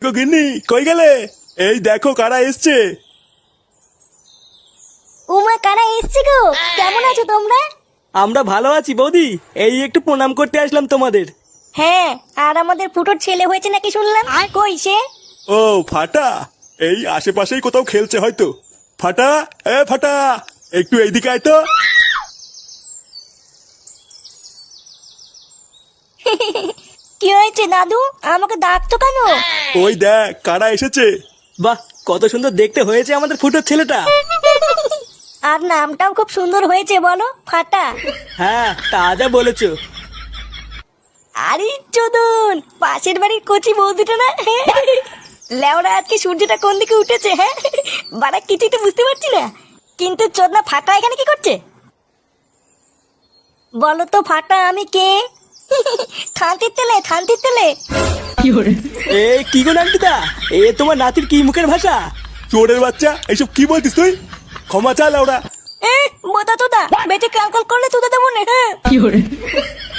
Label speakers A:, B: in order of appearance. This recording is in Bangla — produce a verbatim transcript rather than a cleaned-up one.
A: গিন্নি কই গেলে? এই দেখো কারা এসছে।
B: উমা, কারা এসছে গো? কেমন আছো তোমরা?
C: আমরা ভালো আছি বৌদি, এই একটু প্রণাম করতে আসলাম তোমাদের।
B: হ্যাঁ, আর আমাদের ফুটোর ছেলে হয়েছে নাকি শুনলাম, কই সে?
A: ও ফাটা, এই আশেপাশেই কোথাও খেলছে হয়তো। ফাটা, এ ফাটা, একটু এইদিকে আয় তো।
B: কি হয়েছে দাদু, আমাকে ডাকতো কেন?
A: ওই দেখ কারা এসেছে।
C: বাহ, কত সুন্দর দেখতে হয়েছে আমাদের ফুটোর ছেলেটা।
B: আর নামটাও খুব সুন্দর হয়েছে, বলো ফাটা।
C: হ্যাঁ, তা যা বলেছো।
B: আরে চোদন, পাশের বাড়ির কচি বৌদিটা না? লেওরা, আজকে সূর্যটা কোন দিকে উঠেছে? হ্যাঁ, বাড়া কিছুই তো বুঝতে পারছি না। কিন্তু চোদনা ফাটা এখানে কি করছে? বলো তো ফাটা, আমি কে? থানতির তেলে, থানতির তেলে।
C: এ কি গো নান্টুদা, এ তোমার নাতির কি মুখের ভাষা?
A: চোরের বাচ্চা, এইসব কি বলছিস তুই? ক্ষমা চা লাউরা।
B: এ বোতা তোদা, বেঁচে ক্যালকল করলে তোদা দেবো না। হ্যাঁ